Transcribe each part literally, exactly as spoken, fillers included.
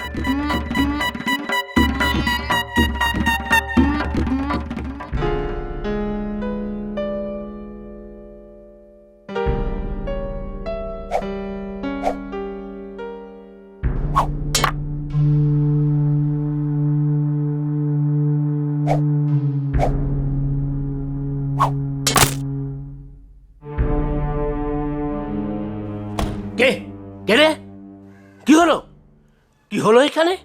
কে কে রে? কি হলো? কি হলো এখানে?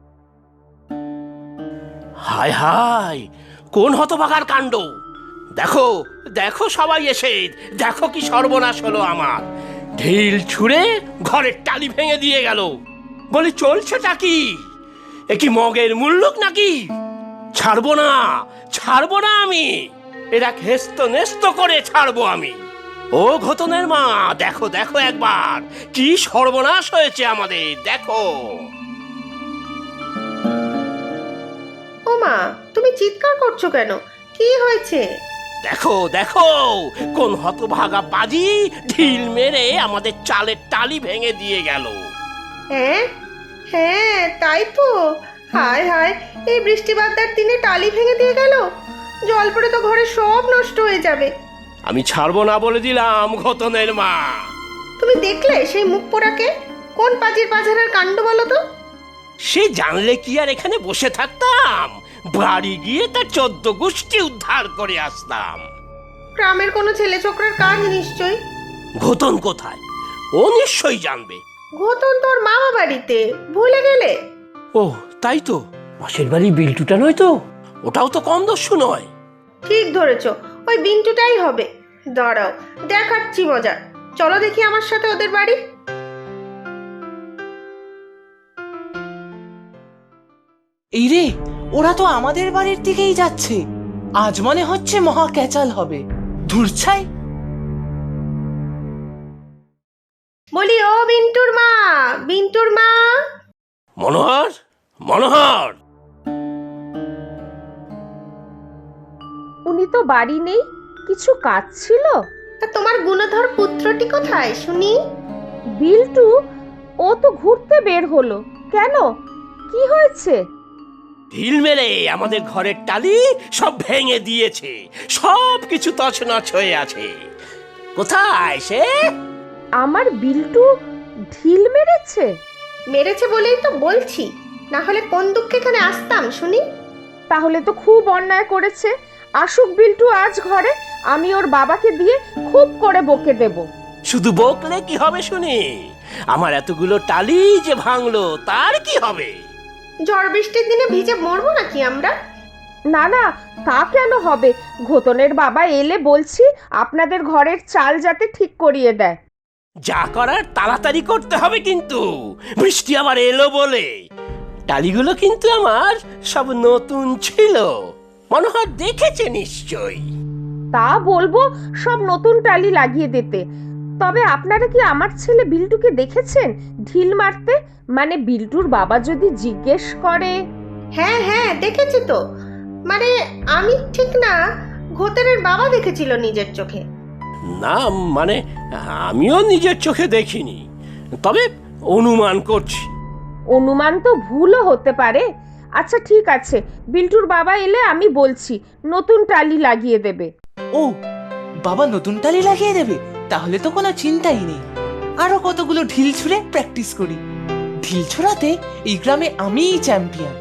হায় হায়, কোন হতভাগার কাণ্ড! দেখো দেখো সবাই এসে, দেখো কি সর্বনাশ হলো আমার! ঢিল ছুঁড়ে ঘরের টালি ভেঙে দিয়ে গেল। বলি চলছেটা কি? এ কি মগের মুল্লুক নাকি? ছাড়বো না, ছাড়বো না আমি! এরা হেস্ত নেস্ত করে ছাড়বো আমি। ও ঘতনের মা, দেখো দেখো একবার কি সর্বনাশ হয়েছে আমাদের, দেখো। ও মা, তুমি চিৎকার করছো কেন? কি হয়েছে? দেখো দেখো কোন হতভাগা বাজি ঢিল মেরে আমাদের চালের টালি ভেঙে দিয়ে গেল। হ্যাঁ হ্যাঁ, তাই তো। হায় হায়, এই বৃষ্টি বাদলার দিনে টালি ভেঙে দিয়ে গেল। জল পড়ে তো ঘরে সব নষ্ট হয়ে যাবে। আমি ছাড়বো না বলে দিলাম ঘতনের মা। তুমি দেখলে সেই মুখ পোড়াকে? কোন পাজির পাঝারের কাণ্ড বলো তো? সে জানলে কি আর এখানে বসে থাকতাম? বাড়ি গিয়ে তার চোদ্দ গোষ্ঠী উদ্ধার করে আসতাম। গ্রামের কোনো ছেলে ছোকরার কাজ নিশ্চয়ই। ঘতন কোথায়? ও নিশ্চয়ই জানবে। ঘটন তোর মামা বাড়িতে, ভুলে গেলে? ও তাই তো, পাশের বাড়ি বিল্টুটা নয় তো? ওটাও তো কম দস্যু নয়। ঠিক ধরেছ, ওই বিন্টুটাই হবে। দাঁড়াও, দেখাচ্ছি মজা। চলো দেখি আমার সাথে ওদের বাড়ি। এই রে, ওরা তো আমাদের বাড়ির দিকেই যাচ্ছে। আজ মনে হচ্ছে মহা ক্যাচাল হবে। ধুরছাই। বলি ও বিন্টুর মা, বিন্টুর মা। মনোহর, মনোহর! উনি তো বাড়ি নেই, কিছু কাজ ছিল? তা তোমার গুণধর পুত্রটি কোথায় শুনি? বিল্টু, ও তো ঘুরতে বের হলো। কেন, কি হয়েছে? ঢিল মেরে আমাদের ঘরের টালি সব ভেঙে দিয়েছে, সব কিছু তছনছ হয়ে আছে। কোথায় সে? আমার বিল্টু ঢিল মেরেছে? মেরেছে বলেই তো বলছি, না হলে কোন দুঃখে এখানে আসতাম শুনি? তাহলে তো খুব অন্যায় করেছে। আসুক বিল্টু আজ ঘরে, আমি ওর বাবাকে দিয়ে খুব করে বকে দেব। শুধু বকলে কি হবে শুনি? আমার এতগুলো টালি যে ভাঙলো তার কি হবে? ঝড় বৃষ্টির দিনে ভিজে মরবো নাকি আমরা? না না, তা কেন হবে? ঘতনের বাবা এলে বলছি আপনাদের ঘরের চাল যাতে ঠিক করিয়ে দেয়। যা করার তাড়াতাড়ি করতে হবে কিন্তু, বৃষ্টি আবার এলো বলে। টালিগুলো কিন্তু আমার সব নতুন ছিল, মনোহর দেখেছে নিশ্চয়ই। তা বলবো সব নতুন টালি লাগিয়ে দিতে। তবে আপনারা কি আমার ছেলে বিল্টুকে দেখেছেন ঢিল মারতে? মানে বিল্টুর বাবা যদি জিজ্ঞেস করে। হ্যাঁ হ্যাঁ, দেখেছি তো। মানে আমি ঠিক না, ঘোতেরের বাবা দেখেছিল নিজের চোখে। না মানে আমিও নিজের চোখে দেখিনি, তবে অনুমান করছি। অনুমান তো ভুলও হতে পারে। আচ্ছা ঠিক আছে, বিল্টুর বাবা এলে আমি বলছি নতুন টালি লাগিয়ে দেবে। ও, বাবা নতুন টালি লাগিয়ে দেবে? তাহলে তো কোনো চিন্তাই নেই। আরো কতগুলো ঢিল ছুঁড়ে প্র্যাকটিস করি। ঢিল ছোড়াতে এই গ্রামে আমিই চ্যাম্পিয়ন।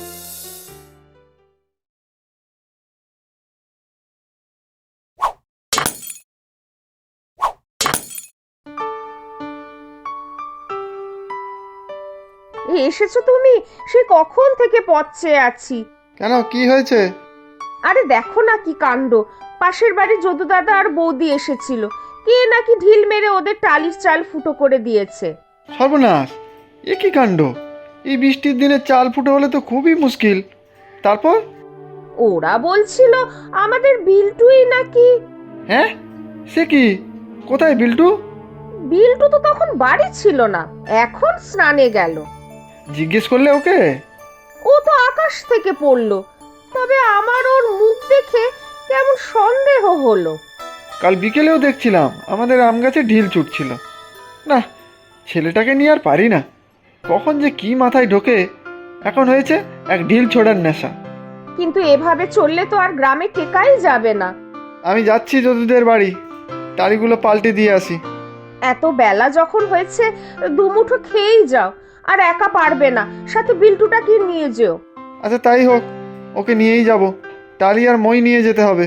এসেছো তুমি? সে কখন থেকে পথ চেয়ে আছি। কেন, কি হয়েছে? আরে দেখো না কি কাণ্ড! পাশের বাড়ি যদু দাদা আর বৌদি এসেছিল। কে নাকি ঢিল মেরে ওদের টালির চাল ফুটো করে দিয়েছে। সর্বনাশ! এ কি কাণ্ড! এই বৃষ্টির দিনে চাল ফুটো হলে তো খুবই মুশকিল। তারপর? ওরা বলছিল আমাদের বিল্টুই নাকি। হ্যাঁ, সে কি? কোথায় বিল্টু? বিল্টু তো তখন বাড়ি ছিল না, এখন স্নানে গেল। জিজ্ঞেস করলে ওকে? ও তো আকাশ থেকে পড়লো। তবে আমার ওর মুখ দেখে কেমন সন্দেহ হলো। কাল বিকেলেও দেখছিলাম আমাদের আম গাছে ঢিল ছুটছিল। না, ছেলেটাকে নিয়ে আর পারি না। কখন যে কি মাথায় ঢোকে, এখন হয়েছে এক ঢিল ছোড়ার নেশা। কিন্তু এভাবে চললে তো আর গ্রামে টেকাই যাবে না। আমি যাচ্ছি যদুদের বাড়ি, টালিগুলো পাল্টে দিয়ে আসি। এত বেলা যখন হয়েছে দুমুঠো খেয়েই যাও, আর একা পারবে না, সাথে বিল্টুটাকে নিয়ে যেও। আচ্ছা তাই হোক, ওকে নিয়েই যাব। টালি আর মই নিয়ে যেতে হবে।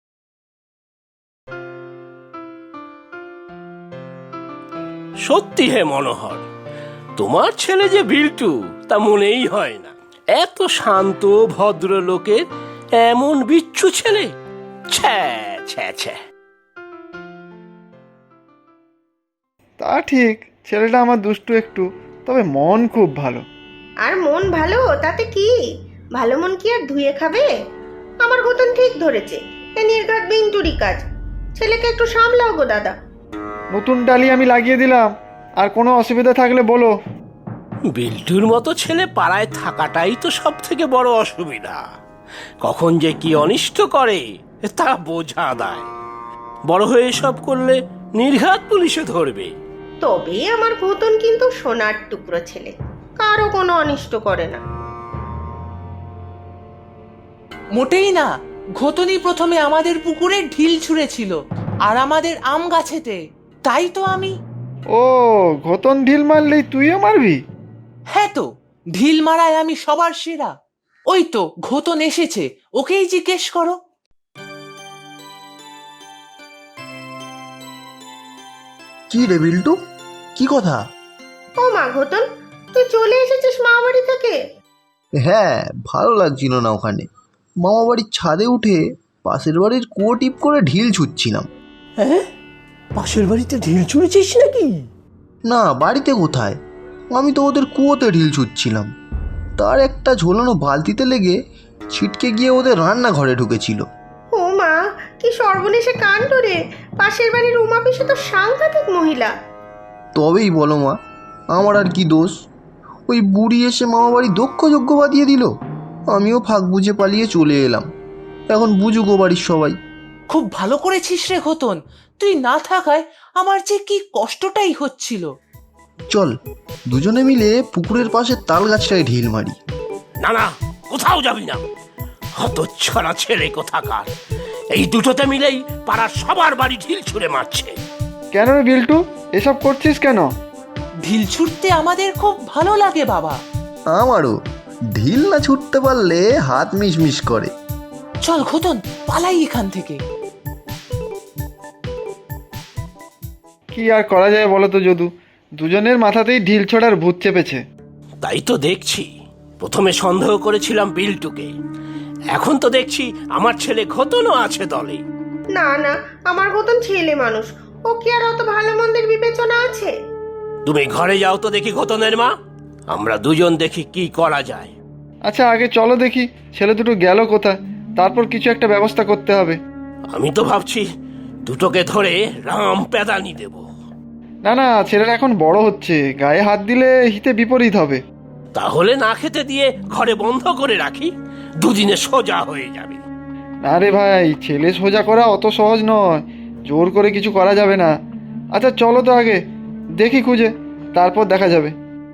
সত্যি হে মনোহর, তোমার ছেলে যে বিল্টু তা মনেই হয় না। এত শান্ত ভদ্র লোকের এমন বিচ্ছু ছেলে, ছ্যা ছ্যা ছ্যা। তা ঠিক, ছেলেটা আমার দুষ্টু একটু, তবে মন খুব ভালো। আর মন ভালো তাতে কি, ভালো মন কি আর ধুয়ে খাবে? আমার গতন ঠিক ধরেছে, এ নির্ঘাত বিন্টুরি কাজ। ছেলেকে একটু সামলাও গো দাদা। নতুন টালি আমি লাগিয়ে দিলাম, আর কোনো অসুবিধা থাকলে বলো। বিল্টুর মতো ছেলে পাড়ায় থাকাটাই তো সব থেকে বড় অসুবিধা। কখন যে কি অনিষ্ট করে তা বোঝা দায়। বড় হয়ে সব করলে নির্ঘাত পুলিশে ধরবে। তবে আমার গতন কিন্তু সোনার টুকরো ছেলে, কারো কোনো অনিষ্ট করে না। মোটেই না। ঘতনি প্রথমে আমাদের পুকুরে ঢিল ছুঁড়েছিল, আর আমাদের আম গাছেতে। তাই তো আমি। ও, ঘতন ঢিল মারলেই তুইও মারবি? হ্যাঁ তো, ঢিল মারায় আমি সবার সেরা। ওই তো ঘতন এসেছে, ওকেই জিজ্ঞেস করো। কি রে বিল্টু, কি কথা? ও মা ঘতন, তুই চলে এসেছিস মামা বাড়ি থেকে? হ্যাঁ, ভালো লাগছিল না ওখানে। মামা বাড়ির ছাদে উঠে পাশের বাড়ির কুয়ো টিপ করে ঢিল ছুটছিলাম। হ্যাঁ, পাশের বাড়িতে ঢিল ছুঁড়েছিস নাকি? না, বাড়িতে কোথায়, আমি তো ওদের কুয়োতে ঢিল ছুটছিলাম। তার একটা ঝোলানো বালতিতে লেগে ছিটকে গিয়ে ওদের রান্নাঘরে ঢুকেছিল। ও মা, কি সর্বনেশে কাণ্ড রে! পাশের বাড়ির উমা পিসে তো সাংঘাতিক মহিলা। তবেই বলো মা, আমার আর কি দোষ? ওই বুড়ি এসে মামা বাড়ি দক্ষ যজ্ঞ বাঁধিয়ে দিল। আমিও ফাঁক বুঝে পালিয়ে চলে এলাম। এখন বুঝুক ও বাড়ির সবাই। খুব ভালো করেছিস রে ঘতন, তুই না থাকায় আমার যে কি কষ্টটাই হচ্ছিল। চল দুজনে মিলে পুকুরের পাশে তাল গাছটায় ঢিল মারি। না না, কোথাও যাবি না। হতচ্ছাড়া ছেলে কোথাকার, এই দুটোতে মিলেই পাড়ার সবার বাড়ি ঢিল ছুঁড়ে মারছে। কেন রে বিল্টু, এসব করছিস কেন? ঢিল ছুটতে আমাদের খুব ভালো লাগে বাবা। আমারও। ঢিল না ছুটতে পারলে হাত মিশমিশ করে। চল ঘতন, পালাই এখান থেকে। কি আর করা যায় বলো তো যদু, দুজনের মাথাতেই ঢিল ছোড়ার ভূত চেপেছে। তাই তো দেখছি, প্রথমে সন্দেহ করেছিলাম বিল্টুকে, এখন তো দেখছি আমার ছেলে ঘতনও আছে দলে। না না, আমার গতন ছেলে মানুষ, ও কি আর অত ভালো মন্দের বিবেচনা আছে? তুমি ঘরে যাও তো দেখি ঘতনের মা, আমরা দুজন দেখি কি করা যায়। আচ্ছা আগে চলো দেখি ছেলে দুটো গেল কোথায়, তারপর কিছু একটা ব্যবস্থা করতে হবে। আমি তো ভাবছি দুটোকে ধরে রাম পেদানি দেব। না না, ছেলেরা এখন বড় হচ্ছে, গায়ে হাত দিলে হিতে বিপরীত হবে। তাহলে না খেতে দিয়ে ঘরে বন্ধ করে রাখি, দুদিনে সোজা হয়ে যাবে। না রে ভাই, ছেলে সোজা করা অত সহজ নয়, জোর করে কিছু করা যাবে না। আচ্ছা চলো তো আগে দেখি খুঁজে, তারপর দেখা যাবে।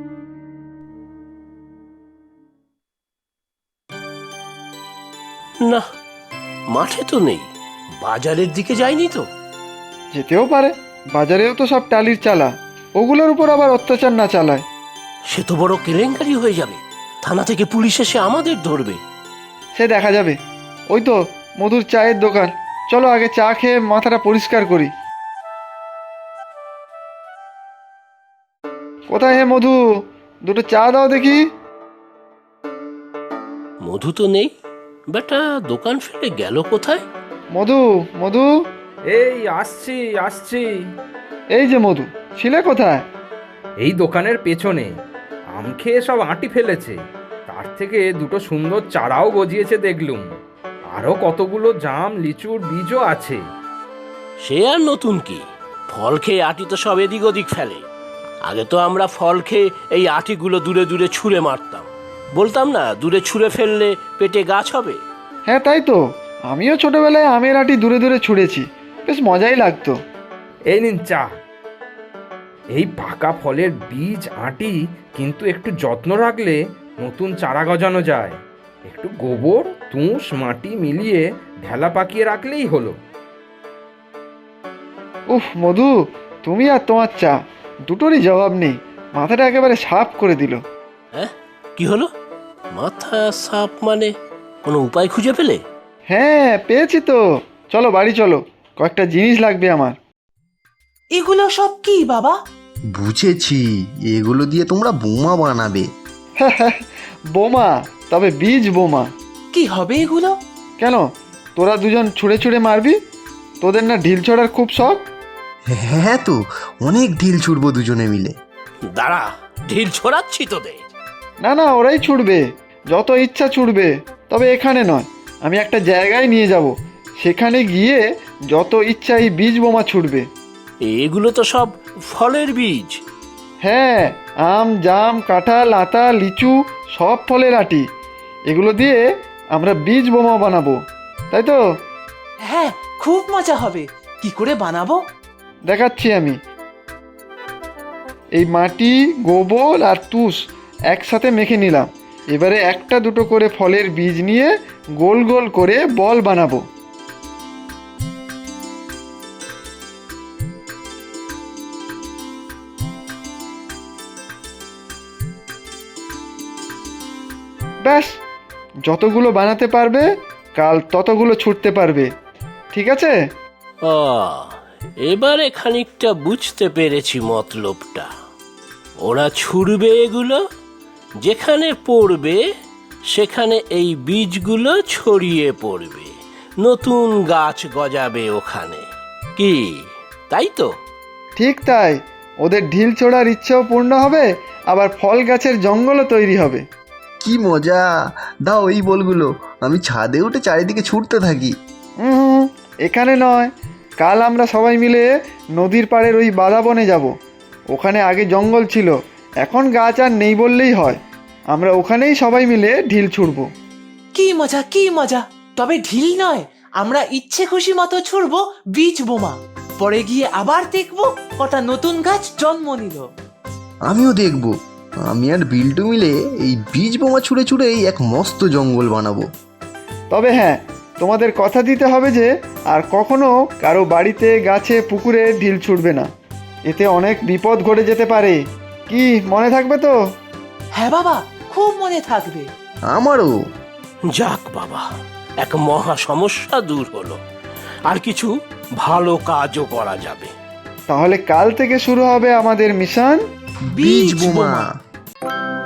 না, মাঠে তো নেই, বাজারের দিকে যায়নি তো। যেতেও পারে, বাজারেও তো সব টালির চালা, ওগুলোর উপর আবার অত্যাচার না চালায়। সে তো বড় কেলেঙ্কারি হয়ে যাবে, থানা থেকে পুলিশ এসে আমাদের ধরবে। সে দেখা যাবে। ওই তো মধুর চায়ের দোকান, চলো আগে চা খেয়ে মাথাটা পরিষ্কার করি। কোথায় হে মধু, দুটো চা দাও দেখি। মধু তো নেই, বেটা দোকান ফেলে গেল কোথায়? মধু, মধু, এই আসছি আসছি। এই যে মধু, ছিলে কোথায়? এই দোকানের পেছনে আম খেয়ে সব আঁটি ফেলেছে, তার থেকে দুটো সুন্দর চারাও গজিয়েছে দেখলুম। আরও কতগুলো জাম লিচুর বীজও আছে। সে আর নতুন কি, ফল খেয়ে আটি তো সব এদিক ওদিক ফেলে। আগে তো আমরা ফল খেয়ে এই আটিগুলো দূরে দূরে ছুঁড়ে মারতাম, বলতাম না দূরে ছুঁড়ে ফেললে পেটে গাছ হবে। হ্যাঁ তাই তো, আমিও ছোটবেলায় আমের আটি দূরে দূরে ছুঁড়েছি, বেশ মজাই লাগতো। এই নিন চা। এই পাকা ফলের বীজ আঁটি কিন্তু একটু যত্ন রাখলে নতুন চারা গজানো যায়। একটু গোবর তুষ মাটি মিলিয়ে ঢেলা পাকিয়ে রাখলেই হলো। উফ মধু, তুমি আর তোমার চা দুটোরই জবাব নেই, মাথাটা একেবারে সাফ করে দিল। হ্যাঁ, কি হলো? মাথা সাপ মানে কোনো উপায় খুঁজে পেলে? হ্যাঁ পেয়েছি তো, চলো বাড়ি চলো, কয়েকটা জিনিস লাগবে আমার। এগুলো সব কি বাবা? বুঝেছি, এগুলো দিয়ে তোমরা বোমা বানাবে। বোমা? তবে বীজ বোমা। কি হবে এগুলো? কেন, তোরা দুজন ছুঁড়ে ছুঁড়ে মারবি? তোদের না ঢিল ছোড়ার খুব শখ? হ্যাঁ তো, অনেক ঢিল ছুড়বো দুজনে মিলে। দাঁড়া, ঢিল ছোড়াচ্ছি তোদের। না না, ওরাই ছুটবে, যত ইচ্ছা ছুটবে, তবে এখানে নয়। আমি একটা জায়গায় নিয়ে যাব, সেখানে গিয়ে যত ইচ্ছা এই বীজ বোমা ছুটবে। এগুলো তো সব ফলের বীজ। হ্যাঁ, আম জাম কাঁঠাল আতা লিচু সব ফলের আটি, এগুলো দিয়ে আমরা বীজ বোমা বানাবো, তাই তো? হ্যাঁ, খুব মজা হবে। কি করে বানাবো? দেখাচ্ছি আমি। এই মাটি গোবর আর তুষ একসাথে মেখে নিলাম। এবারে একটা দুটো করে ফলের বীজ নিয়ে গোল গোল করে বল বানাবো। ব্যাস, যতগুলো বানাতে পারবে কাল ততগুলো ছুটতে পারবে, ঠিক আছে? ও, এবারে খানিকটা বুঝতে পেরেছি মতলবটা। ওরা ছুড়বে এগুলো, যেখানে পড়বে সেখানে এই বীজগুলো ছড়িয়ে পড়বে, নতুন গাছ গজাবে ওখানে। কি, তাই তো? ঠিক তাই, ওদের ঢিল ছোড়ার ইচ্ছেও পূর্ণ হবে, আবার ফল গাছের জঙ্গলও তৈরি হবে। কি মজা! দাও এই বলগুলো, আমি ছাদে উঠে চারিদিকে ছুটতে থাকি। হুম, এখানে নয়, কাল আমরা সবাই মিলে নদীর পাড়ের ওই বাঁধা বনে যাব। ওখানে আগে জঙ্গল ছিল, এখন গাছ আর নেই বললেই হয়। আমরা ওখানেই সবাই মিলে ঢিল ছুড়বো। কি মজা, কি মজা! তবে ঢিল নয়, আমরা ইচ্ছে খুশি মতো ছুড়বো বীজ বোমা। পরে গিয়ে আবার দেখবো কটা নতুন গাছ জন্ম নিল। আমিও দেখব। আমি আর বিল্টু মিলে এই বীজ বোমা ছুঁড়ে ছুঁড়েই এক মস্ত জঙ্গল বানাবো। তবে হ্যাঁ, তোমাদের কথা দিতে হবে যে আর কখনো কারো বাড়িতে গাছে পুকুরে ঢিল ছুটবে না, এতে অনেক বিপদ ঘটে যেতে পারে। কি মনে থাকবে তো? হ্যাঁ বাবা, খুব মনে থাকবে। আমারও। যাক বাবা, এক মহা সমস্যা দূর হলো, আর কিছু ভালো কাজও করা যাবে। তাহলে কাল থেকে শুরু হবে আমাদের মিশন বীজ বোমা।